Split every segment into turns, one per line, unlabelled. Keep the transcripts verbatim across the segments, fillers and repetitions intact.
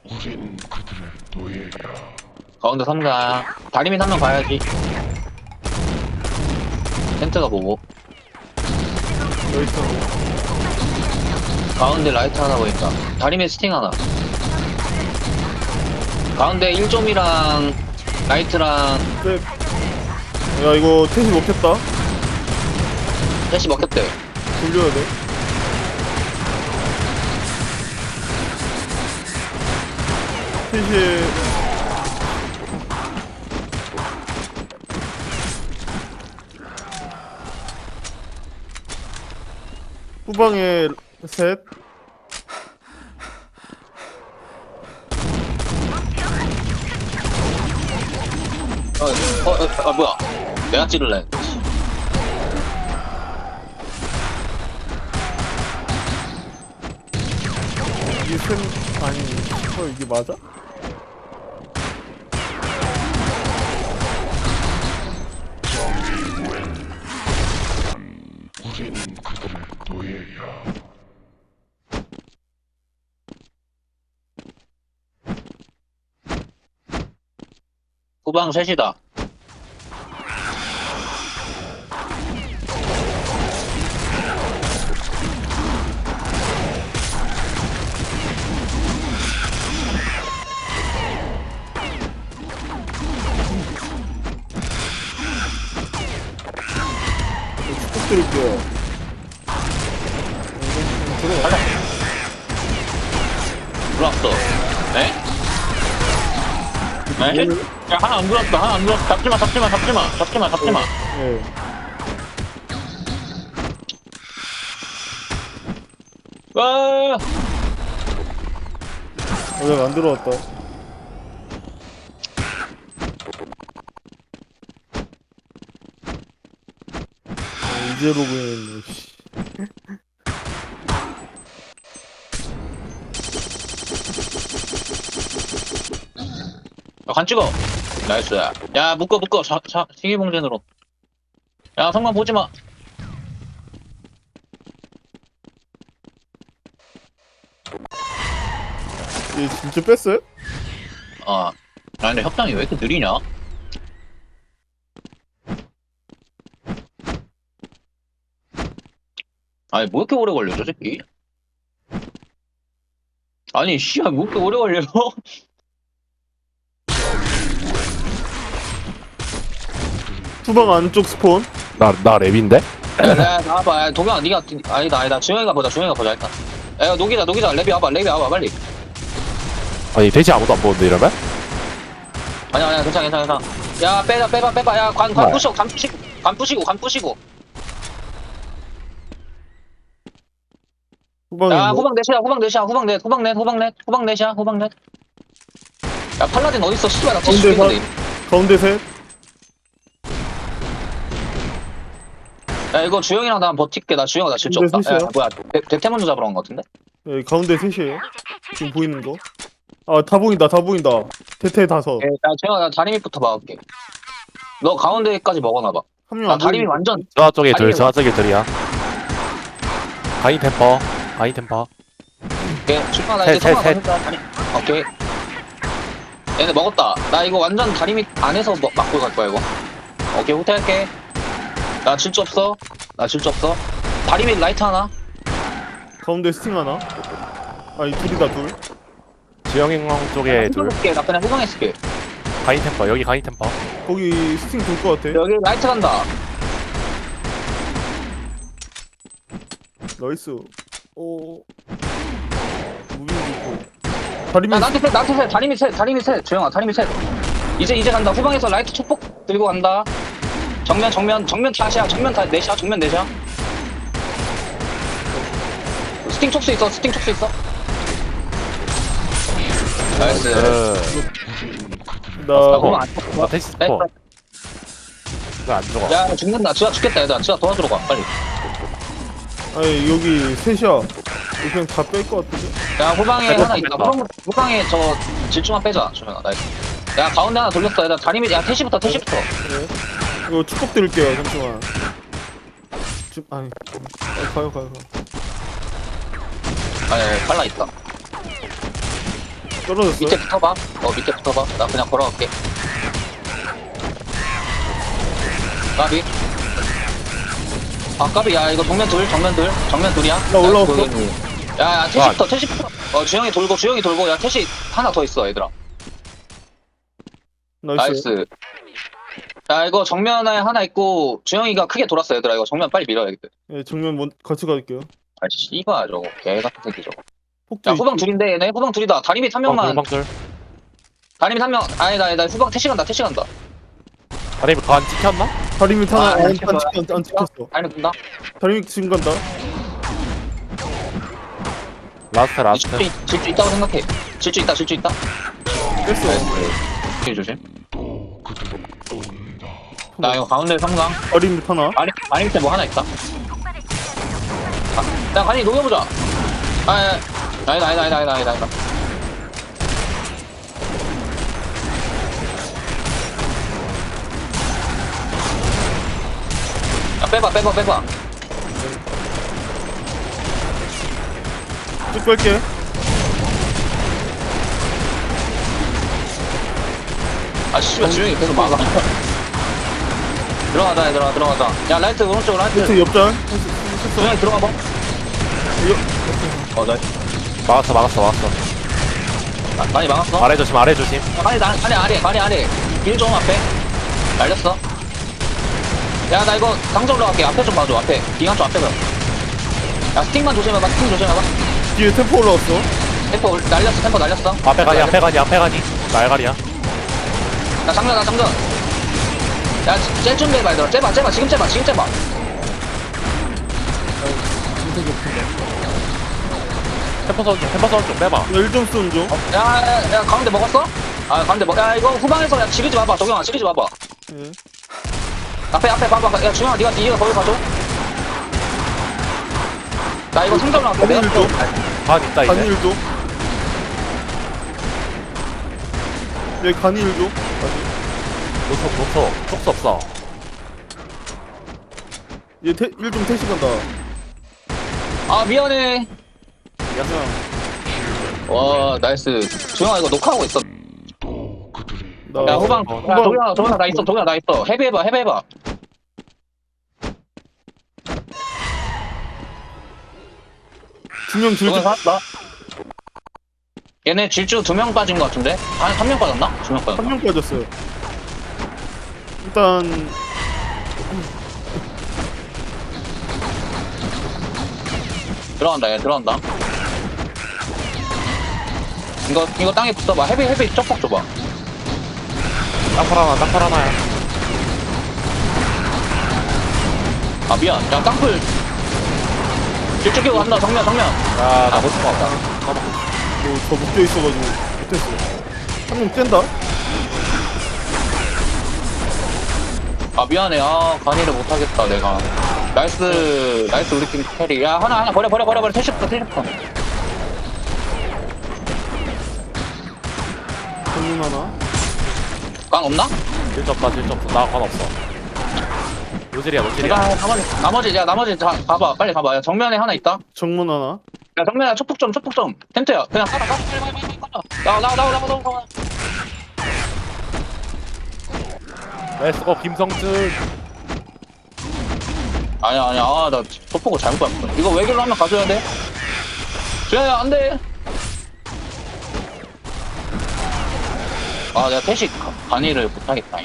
우린 그들의 노예야.
가운데 삼가 다리미 한 명 봐야지. 텐트가 보고
여기 있어.
가운데 라이트 하나 보인다. 다리미 스팅 하나. 가운데 일 점이랑 라이트랑
네. 야 이거 텐시 먹혔다.
셋이 먹혔대.
돌려야 돼. 텐시 후방에 셋.
어, 어, 어, 아 뭐야? 내가 찌를래.
이게 셋 아니 어 이게 맞아?
우린 그들의 노예야.
후방 셋이다.
축복 드릴게요. 들어.
가자. 들어왔어. 네? 네? 야, 하나 안 들어왔다. 하나 안 들어왔다. 잡지마, 잡지마, 잡지마, 잡지마, 잡지마.
예.
와,
아직 안 들어왔다. 아, 이제 로그인했네. 씨.
야, 간 찍어. 나이스. 야, 묶어, 묶어. 자, 자, 시기봉전으로. 야, 성만 보지 마.
얘 진짜 뺐어요?
아, 나 근데 협상이 왜 이렇게 느리냐? 아니, 뭐 이렇게 오래 걸려, 저 새끼? 아니, 씨야, 뭐 이렇게 오래 걸려?
후방 안쪽 스폰.
나, 나 랩인데?
야, 야, 나와봐. 야, 동현아, 니가, 아니다, 아니다. 주영이가 보자, 주영이가 보자, 일단. 야, 녹이자, 녹이자. 랩이 와봐, 랩이 와봐, 빨리.
아니, 대신 아무도 안 보는데, 이러면?
아니야, 아니야, 괜찮아, 괜찮아, 괜찮아. 야, 빼봐, 빼봐, 빼봐. 야, 관, 관
네.
부시고, 관 부시고, 관 부시고, 관 부시고.
후방에
야,
뭐?
후방 넷이야, 후방 넷이야, 후방 넷, 후방 넷, 후방 넷, 후방 넷이야, 후방 넷. 야, 팔라딘 어딨어? 씨발, 나
가운데
칠십 개인데.
가운데 셋.
야, 이거 주영이랑 나 버틸게. 나 주영아, 나 질주
근데
없다. 야,
셋이야?
뭐야, 대, 대퇴 먼저 잡으러 간 거 같은데?
예, 가운데 셋이에요. 지금 보이는 거. 아, 다 보인다, 다 보인다. 대퇴 다섯.
야, 주영아, 나 다리 밑부터 막을게. 너 가운데까지 먹어놔봐.
한 명
나
안
다리 밑
보이는
완전.
저쪽에 둘,
아니,
저쪽에 둘이야. 가인 템퍼, 가인 템퍼.
오케이, 출마 나
셋,
이제 성화
셋,
맞는다. 다리. 오케이. 얘네 먹었다. 나 이거 완전 다리 밑 안에서 먹, 막고 갈 거야, 이거. 오케이, 후퇴할게. 나 질주 없어. 나 질주 없어. 다리 밑 라이트 하나.
가운데 스팅 하나. 아니, 둘이다, 둘.
지영형 쪽에 둘.
후방했을게. 나 그냥 후방했을게.
가인 템퍼, 여기 가인 템퍼.
거기 스팅 돌 것 같아.
여기 라이트 간다.
나이스. 오. 무빙도 있고. 다리미
야, 나한테 셋, 나한테 셋. 다리 밑 셋, 다리 밑 셋. 조영아, 다리 밑 셋. 이제, 이제 간다. 후방에서 라이트 축복 들고 간다. 정면, 정면, 정면 다시야. 정면 다, 넷이야. 정면 넷이야. 스팅 촉수 있어, 스팅 촉수 있어. 나이스.
그,
나
나 후방 안
나 테스트 스포. 왜안 죽어?
야, 죽는다. 지가 죽겠다, 얘들아. 지가 도와주러 가, 빨리.
아니 여기 셋이야. 이거 그냥 다 뺄 것 같은데.
야, 후방에
아이고,
하나 있다.
뺐다.
후방, 후방에 저 질주만 빼자. 조영아, 나이스. 야, 가운데 하나 돌렸어. 얘들아, 다리 밑, 야, 태시부터, 태시부터.
그래. 이거 축복 드릴게요. 잠시만. 좀 아니. 아, 가요 가요 가요.
아, 예, 팔라 있다.
떨어졌어.
밑에 붙어봐. 어 밑에 붙어봐. 나 그냥 걸어갈게. 까비. 아 까비. 야 이거 정면 둘 정면 둘 정면 둘이야.
나 올라왔어.
야야 태시부터 태시부터. 어 주영이 돌고 주영이 돌고. 야 태시 하나 더 있어 얘들아.
나이스.
나이스. 야 이거 정면에 하나 있고 주영이가 크게 돌았어 얘들아. 이거 정면 빨리 밀어야겠다.
예, 정면 먼, 같이 갈게요.
아 씨발 저거 개 같은 새끼 저거.
폭도
야 후방
있고.
둘인데 얘네 후방 둘이다. 다리 밑 한 명만.
방들
다리 밑 한 명. 아니다 아니다 후방 태시 간다 태시 간다.
아니 그안 찍혔나?
다리 밑 하나
아,
안, 안,
찍혔어.
찍혔, 안 찍혔어.
다리 밑 간다.
다리 밑 지금 간다.
라스트 라스트
질주, 질주 있다고 생각해. 질주 있다 질주 있다.
뺐어.
조심 조심.
또 그들을 쫓는다.
나 이거 가운데 성강.
다리 밑 하나.
아니 아니 밑에 뭐 하나 있다. 아, 야 간이 녹여보자. 아, 아, 아니다 아니다 아니다 아니다 아니다. 아니다. 야 빼봐 빼봐 빼봐.
쭉 뺄게.
아 씨발 주영이 계속 막아. 들어가자 얘들아 들어가자. 야 라이트 오른쪽 라이트.
밑에 옆장.
주영이 들어가봐. 어 나.
막았어 막았어 막았어
아, 많이 막았어.
아래 조심 아래 조심
아니 나 아래 아래 아래 아래 길 좀 앞에 날렸어. 야 나 이거 강자 올라갈게. 앞에 좀 봐줘. 앞에 기관 쪽 앞에 봐야 스틱만 조심해봐. 스틱 조심해봐.
뒤에 템포 올라왔어.
템포 올- 날렸어. 템포 날렸어.
앞에 가니 앞에 가니 앞에 가니 날가리야
나 장전 나 장전. 야쟤 준비해봐 얘들아. 쟤봐 쟤봐 지금 쟤봐 지금 쟤봐.
템퍼 선좀 템퍼 선좀 빼봐
나 일 점 쏜 중.
야야 야, 가운데 먹었어? 아 가운데 먹. 야 이거 후방에서 야 지르지 마봐. 도경아 지르지 마봐.
예.
앞에 앞에 봐봐. 야 주영아 니가 니가 거기 가줘. 나 이거 상점 나갈게.
거기
내가
일도.
반 있다
간이
이제
일도. 여기 간이 일도.
노속 노속 속수 없어
얘 태, 일좀 태시 간다.
아 미안해.
야,
와 나이스. 조영아 이거 녹화하고 있어.
또 그들이
나
야 후방.
어,
야
후방.
도경아 도경아 나 있어. 도경아 나 있어. 헤비해봐 헤비해봐.
두명
도경아
질주.
살았다. 얘네 질주 두 명 빠진 것 같은데? 아니 한 명 빠졌나? 두 명 빠졌나?
한 명 빠졌어요. 일단
들어간다 얘 들어간다. 이거 이거 땅에 붙어봐. 헤비 헤비 쪽폭 줘봐.
땅팔 하나 땅팔 하나야
아 미안. 야 땅굴. 질주 끼고 간다. 정면 정면.
야나 못 잡아
뭐저 묶여 있어가지고 못했어. 한 명 뗀다.
아 미안해. 아 간이를 못하겠다 내가. 나이스 나이스 우리 팀 캐리. 야 하나 하나 버려 버려 버려 버려. 태시부터 태시부터.
정문 하나.
꽝 없나?
질점다 질점 나관 없어 노질이야 노질이야
내가 나머지 나머지 야 나머지 다 봐봐. 빨리 봐봐. 야 정면에 하나 있다.
정문 하나.
야 정면에 초폭 좀 초폭 좀. 텐트야 그냥 깔아 깔아 빨리 빨리 빨리 깔아. 나와 나와 나와 나와 나와.
렛츠고 김성준
아니야 아니야. 아나 초폭을 잘못 봤어. 이거 외길로 하면 가져야 돼. 주야야 안돼. 아 내가 태식 간이를 못하겠다.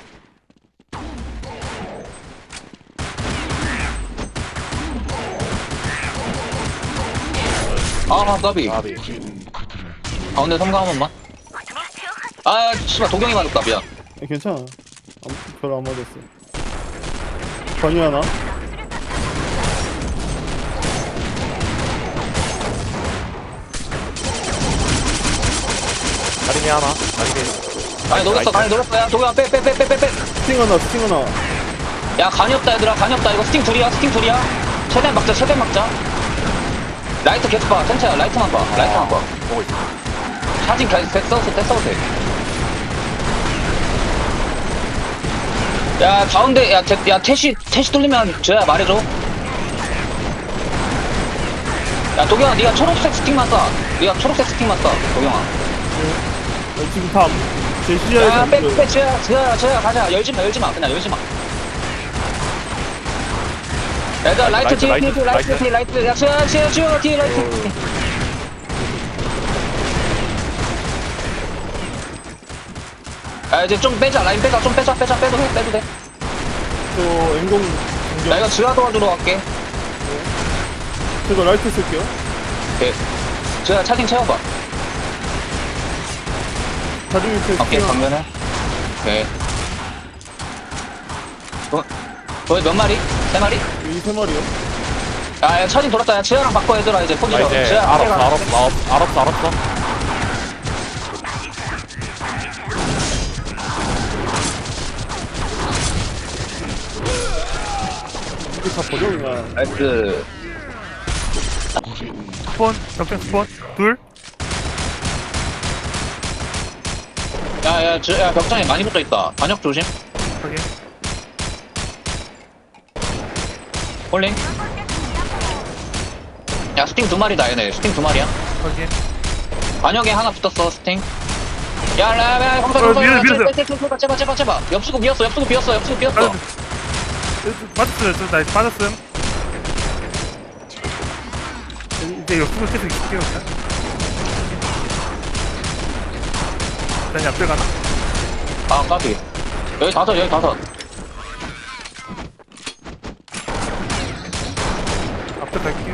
아 까비.
아비
가운데 성공 한 번만. 아 씨발 도경이 맞았다 미안.
야, 괜찮아. 아무, 별로 안 맞았어. 관이 하나.
다리미 하나 다리미
아니 녹였어 간이 녹였어. 야 도경아 빼 빼 빼 빼 빼빼.
스팅 하나, 스팅 하나.
야 간이 없다 얘들아. 간이 없다. 이거 스팅 둘이야 스팅 둘이야. 최대한 막자 최대한 막자. 라이트 계속 봐. 텐트야 라이트만 봐. 라이트만 봐.
보고 있어
사진 계속 써도 돼 써도 돼. 야 가운데 야, 태, 야 태시 태시 뚫리면 저야 말해줘. 야 도경아 네가 초록색 스틱만 쏴. 네가 초록색 스틱만 쏴 도경아.
아, 지금 다제 시야에서
야,
안
빼,
보여요.
빼, 지야, 지야, 지야, 가자. 열지 마, 열지 마. 그냥 열지 마. 얘들아, 라이트
라이트,
뒤,
라이트,
뒤, 라이트,
라이트.
뒤, 라이트. 야, 지야, 지야, 지야, 뒤, 라이트. 야, 이제 좀 빼자. 라인 빼자. 좀 빼자, 빼자, 빼도 돼, 빼도 돼.
저 앵공
나
공격.
이거 지하 도와주러 갈게.
제가 라이트 쓸게요.
오케이. 지야, 차징 채워봐.
다리 제
오케이, 정면에. 오케이. 어, 너희 몇 마리? 세 마리?
이세 마리요.
야, 야, 차징 돌았다. 야, 지하랑 바꿔, 얘들아. 이제
나
포지션.
이제
지하,
알았어
앞에 가.
알았어 알았어 알았어 알았어
이게 다 버려 그냥.
나이스.
스폰, 적정 스폰, 둘.
야, 야, 지, 야, 벽장에 많이 붙어 있다. 반역 조심.
확인.
홀링. 야, 스팅 두 마리다, 얘네. 스팅 두 마리야.
확인.
반역에 하나 붙었어, 스팅. 야, 야, 야, 검사,
어,
검사,
밀어, 밀었어요.
제발, 제발, 제발, 제발. 옆수구 비었어, 옆수구 비었어, 옆수구 비었어.
빠졌, 빠졌어요. 저, 나 빠졌음. 이제 옆으로 계속 있을게요. 일단. 일단 앞에 가나?
아, 까비. 여기 다섯, 여기 다섯.
앞에 갈게요.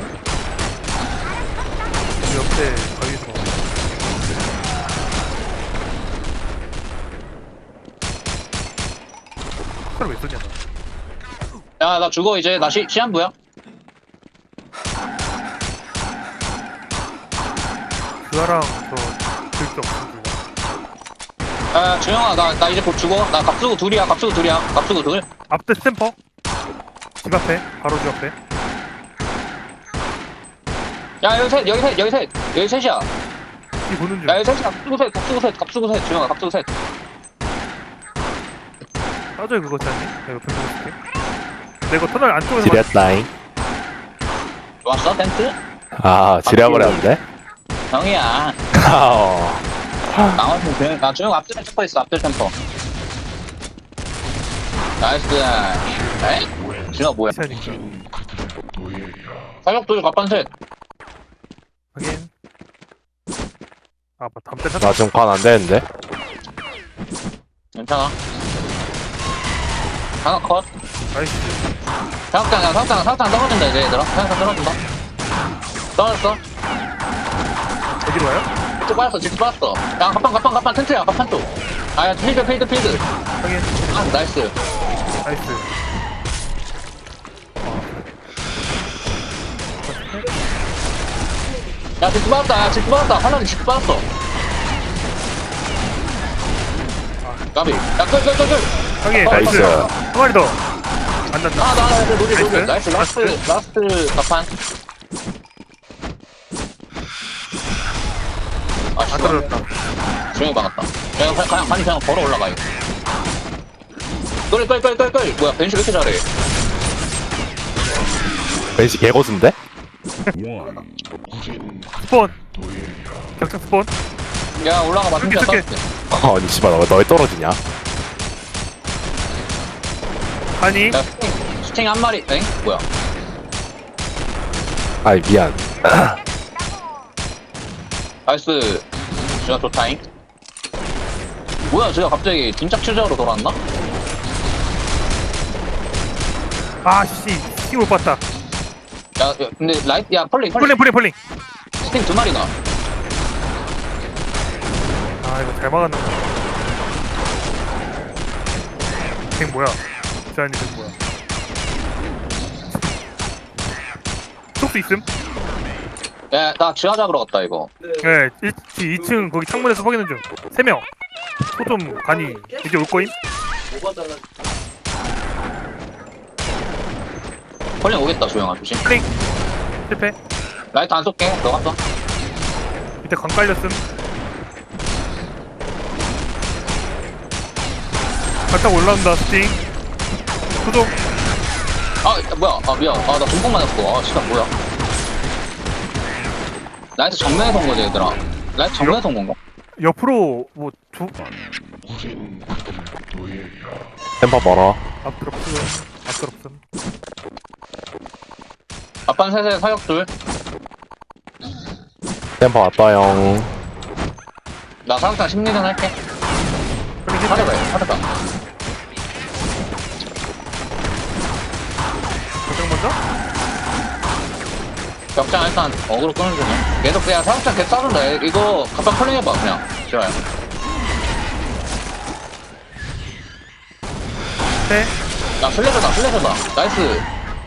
여기 옆에 가위에서 먹어. 칼 왜 쏘냐, 너.
야, 나 죽어, 이제. 나 시, 시한부야.
그거랑 저, 들게 없어.
야, 주영아, 나, 나 이제 곧 죽어. 나 갑수구 둘이야, 갑수구 둘이야. 갑수구 둘.
앞에 스탬퍼. 집 앞에. 바로 집 앞에.
야, 여기 셋, 여기 셋, 여기 셋. 여기 셋이야.
이 보는 중.
야, 여기 셋이야. 갑수구 셋, 갑수구 셋, 갑수구 셋. 주영아, 갑수구 셋.
빠져요, 그거 짜니? 내가 옆에 보고 있을게. 내가 터널 안쪽에서
지렸다잉
왔어, 텐트?
아 지려버렸는데
형이야.
어.
나머지는 그냥, 나 주영 앞들 템퍼 있어, 앞들 템퍼. 나이스. 에이? 주영아, 뭐야?
맞
사격 둘, 갑판 셋.
확인. 아, 뭐 담배 샀
나 지금 관 안되는데
괜찮아. 하나 컷.
나이스.
사격장, 야, 사격장, 사격장 떨어진다, 이제 얘들아. 사격장 떨어진다. 떨어졌어.
어디로 와요?
직접 빠졌어, 직접 빠졌어. 야, 갑판, 갑판, 갑판, 텐트야, 갑판 쪽. 아, 야, 필드, 필드, 필드.
확인.
아, 나이스.
나이스.
야, 직접 빠졌다, 야, 직접 빠졌다. 환란이 직접 빠졌어. 까비. 야, 끌, 끌, 끌, 끌.
확인.
나이스.
한 마리 더. 안 났다.
아, 나, 나, 나, 노리, 노리.
나이스.
나이스, 라스트, 라스트 갑판. 아,
안
씨.
떨어졌다.
조용히 막았다. 야, 이거 그냥, 아니, 그냥 걸어 올라가, 이거. 끌, 끌, 끌, 끌, 끌. 뭐야, 벤시 왜 이렇게 잘해?
벤시 개고수인데?
스폰. 격장 스폰.
야, 올라가 봐,
이렇게,
벤시야,
이렇게.
떨어질게.
아니 씨발 너 너왜 떨어지냐
아니.
야, 스팅, 스팅 한 마리, 엥? 뭐야?
아이 미안
나이스. 진짜 좋다잉. 뭐야, 제가 갑자기 진짜 추적으로 돌아왔나?
아, 씨. 힘 못 봤다.
야, 야, 근데 라이트, 야, 펄링,
폴링,
펄링.
폴링, 폴링.
스팅 두 마리나.
아, 이거 잘 막았나. 쟤 뭐야? 자연이 쟤 뭐야? 속도 있음?
야, 나 지하 잡으러 갔다, 이거.
네, 이 층 거기 창문에서 확인해 줘. 세 명. 소좀 간이 이제 올 거임?
펄링 오겠다, 조용아, 조심.
플링. 실패.
라이트 안 쏠게, 너 갔어.
밑에 강 깔렸음. 갔다 올라온다 스팅. 소좀.
아, 야, 뭐야, 아, 미안. 아, 나 중폭 맞았어. 아, 시간 뭐야. 라이트 정면에서 온 거지, 얘들아. 라이트 정면에서 온 건가?
옆으로 뭐 두
우린 그들의 노예야.
템퍼 멀어.
앞들 없음 앞들 없음.
앞반 셋에 사격 둘.
템퍼 왔다용.
나 사격장 심리전 할게.
빨리 힐.
사격해, 사격장.
가장 먼저?
격장 일단 어그로 끄는 중이야. 계속 그냥 사격장 계속 쏴준다. 이거 갑박 컬링 해봐, 그냥. 좋아요.
네.
야, 플래셔다, 플래셔다. 나이스.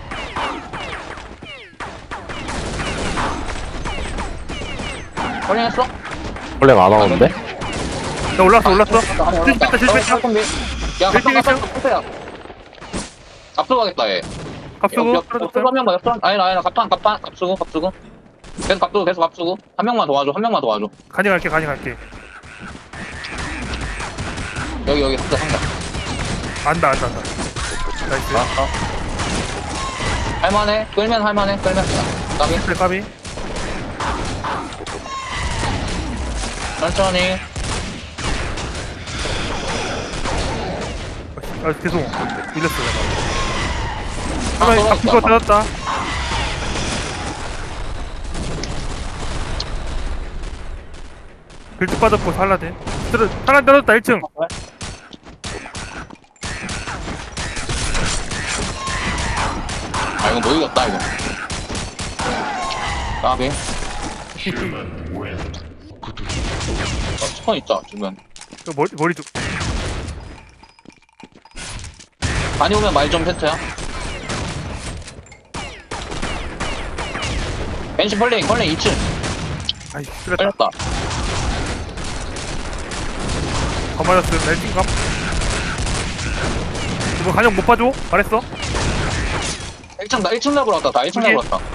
컬링 했어?
원래 안 하는데?
나 올랐어 올랐어.
아,
실패했다 실패했다.
야, 갑박,
일등,
갑박, 갑박이야. 앞서 가겠다, 얘.
갑수고
옆, 옆,
떨어졌어.
한 명만, 옆, 아니, 아니, 갑판, 갑판, 갑수고, 갑수고. 계속 갑수고, 계속 갑수고. 한 명만 도와줘, 한 명만 도와줘.
간이 갈게 간이 갈게.
여기, 여기, 상자, 상자.
안다 안다 안다. 나이스.
아, 아. 할만해? 끌면 할만해? 끌면. 까비?
그래 까비.
천천히.
아 죄송. 밀렸어 내가.
아,
하나
돌아왔다.
갑수고 찾았다. 빌드 빠졌고 살라딘. 들어 살라 떨어졌다 일 층.
아, 이거 못 이겼다, 이거. 까비.
Human win. 그들의
어, 스폰 있다, 주변.
그 머리 머리 좀.
많이 오면 많이 좀 세트야. 벤시 펄링, 펄링 이 층.
아이 그랬다.
끌렸다.
더 맞았음. 나 일 층 감. 이거 간영 못 봐줘? 말했어?
일 층, 나 일 층 잡으러 왔다, 나 일 층
오케이.
잡으러 왔다.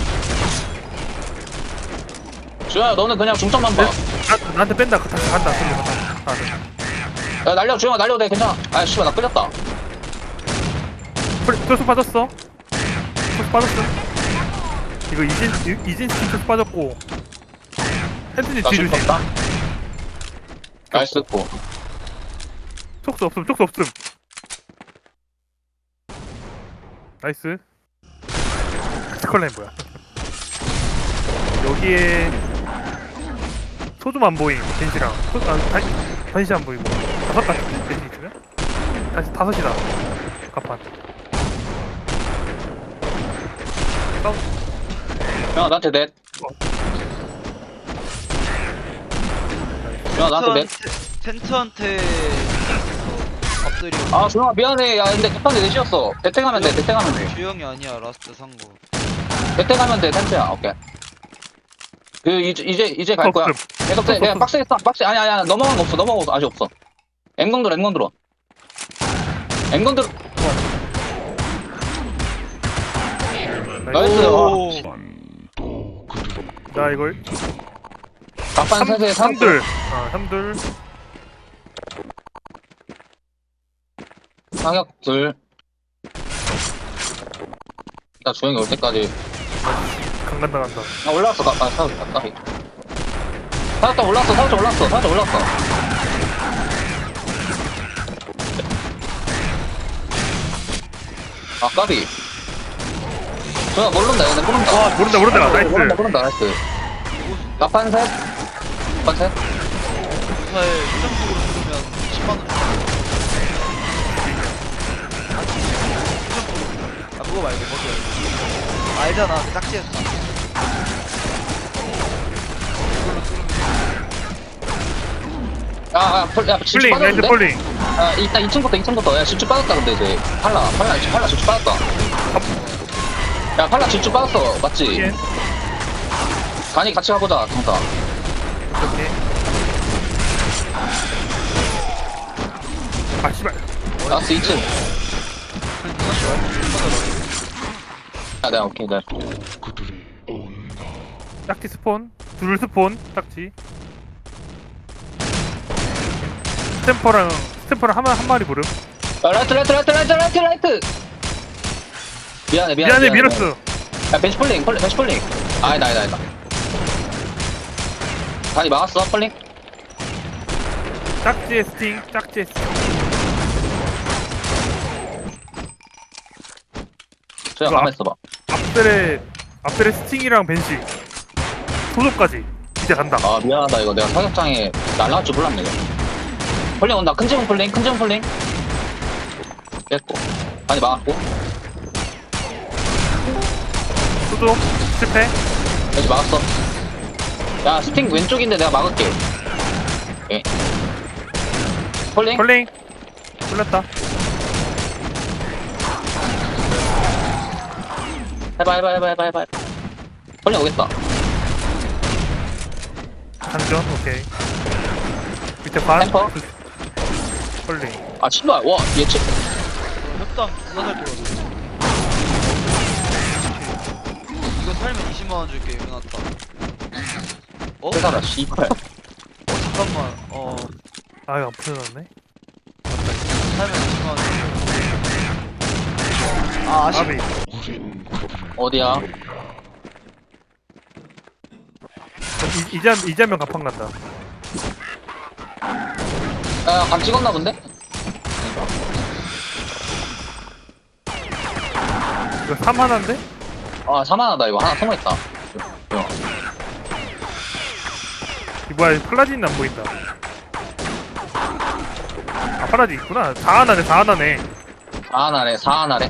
주현아, 너는 그냥 중점만 봐.
나, 나한테 뺀다. 그 다시 간다. 소리 간다. 아, 네.
야, 날려, 주현아, 날려도 돼, 괜찮아. 아, 씨발, 나 끌렸다.
그래, 토스 빠졌어. 토스 빠졌어. 이거 이진 이- 이진 스킨 토스 빠졌고. 핸드니
나
뒤로
지금
지
다 나이스, 고.
촉수 없음. 촉수 없음. 나이스. 스컬라인 뭐야? 여기에 소좀 안 보임. 벤시랑 소, 아, 다시 다시 안 보이고 다섯 같은 벤시 있으면 다시 다섯이다. 갑판.
야, 나한테 넷. 야, 나한테 넷.
텐트한테 엎드리고
아, 주영아, 미안해. 야, 근데 급한데 넷이었어. 대퇴 가면 돼, 대퇴 가면 돼.
주영이 아니야 라스트 산거
대퇴 가면 돼, 텐트야. 오케이. 그, 이제, 이제, 이제 갈 거야.
없음.
계속 돼. 내가 박스에 있어. 박스, 아니, 아니, 아니. 넘어간 거 없어. 넘어간 거 없어. 아직 없어. 엠건 들어, 엠건 들어. 엠건 들어. 나이스.
오
또 그들의
나 이걸
갑판 세세 삼
삼둘. 아 삼둘.
사격 둘. 나 조용히 올 때까지.
강간 나간다.
아, 올라왔어. 나, 아, 사격, 아, 까비. 사격장 올라왔어. 사격장 올라왔어. 사격장 올라왔어. 아, 까비. 조용아, 모른다. 얘네 모른다.
와 모른다 모른다. 나이스.
모른다, 모른다. 나이스. 갑판 셋. 갑판 셋.
무사에 수정적으로 들으면 십만 원 아 그거 말고 거기 말고 알잖아 그 짝지에서
아, 아, 폴, 야, 질주
폴링 나이스
빠졌는데?
폴링.
아, 이따 이 층부터, 이 층부터. 야, 질주 빠졌다, 근데 이제. 팔라, 팔라, 팔라 질주 빠졌다. 야, 팔라 질주 빠졌어. 맞지?
예.
간이 같이 가보자, 정사.
오케이. 아 씨발.
나스 이 층. 아, 네, 오케이, 네.
그들이 온다.
짝지 스폰. 둘 스폰. 짝지. 스탬퍼랑 스탬퍼랑 한, 마- 한 마리 부름.
야, 라이트, 라이트, 라이트, 라이트, 라이트, 라이트! 미안해, 미안해.
미안해 밀었어.
야, 벤치 폴링, 폴링, 벤치 폴링. 아니다, 아니다, 아니다. 간이 막았어, 폴링?
짝지의 스팅, 짝지의 스팅.
저야
이거
가만
앞-
있어봐.
앞들의 앞들의 스팅이랑 벤시 소속까지 이제 간다.
아 미안하다 이거 내가 사격장에 날라갈 줄 몰랐네. 이거. 폴링 온다. 큰 지붕 폴링, 큰 지붕 폴링. 깼고. 아니 막았고.
소속 실패.
여기 막았어. 야 스팅 왼쪽인데 내가 막을게. 오케이. 폴링.
컬링 뚫렸다.
해봐 해봐 해봐 해봐 해봐. 폴링 오겠다.
장전 오케이. 밑에 반.
템퍼.
컬링.
아 신발. 와 예측.
협당 누가 살 거거든. 이거 살면 이십만 원 줄게. 이거 났다. 어?
세사라 씨발.
어 잠깐만. 어
아 이거 안 풀려났네.
살면 이십만 원 줄게. 아 아쉽.
아비.
우린 그들을
어디야?
이- 이제 한- 이제 한명 갑판 간다.
야감 찍었나 본데?
이거 삼 하나인데?
아 사만하다 이거 하나 숨어있다. 이거.
이 뭐야 팔라딘 안 보인다. 아 팔라딘 있구나. 사 하나네 사 하나네.
사하나래 사하나래.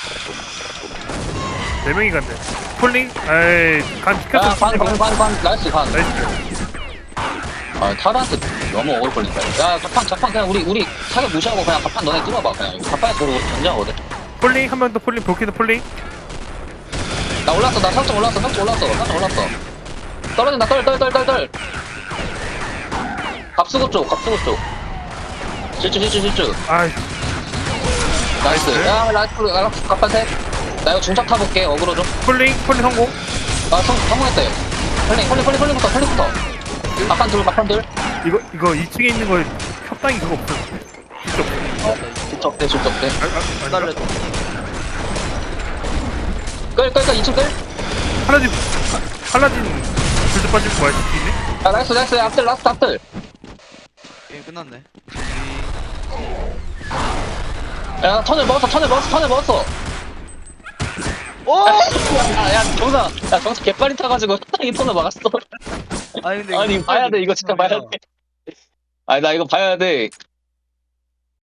네 명이 간대. 폴링? 에이 간 지켰어.
야반반반반 나이스 반.
나이스.
아 타르한테 너무 억울 걸린다. 야 자판 자판 그냥 우리 우리 사격 무시하고 그냥 자판 너네 뚫어봐 그냥. 이거 자판에 들어오고 견제하거든.
폴링 한 명 더 폴링 볼키드 폴링.
나 올랐어 나 살짝 올랐어 살짝 올랐어 살짝 올랐어. 떨어진다 떨떨떨떨떨. 갑수고 쪽 갑수고 쪽. 실주 실주 실주.
아이
나이스.
나이스.
야 라이트 라이트 갑판 셋. 나 이거 중착 타볼게 어그로 좀.
폴링 폴링 성공.
아 성, 성공했다 이거. 폴링 폴링 폴링 폴링부터 폴링부터. 갑판 둘 갑판 둘.
이거 이거 이 층에 있는 거 협당이 그거 없어. 이쪽.
실적 대 실적 대.
아, 아, 아닌가?
달래.
끌끌끌 이 층 끌.
팔라딘 팔라딘 불도 빠지고 뭐야 있네?
야 나이스 나이스 앞들 라스트 앞들.
게임 끝났네.
야 턴을 먹었어 턴을 먹었어 턴을 먹었어.
오!
야야 정상 야 정상 개빨리 타가지고 턴이 턴을 막았어.
아니 근데
아니
이거
봐야 돼 이거 진짜 봐야 돼. 아니 나 이거 봐야 돼.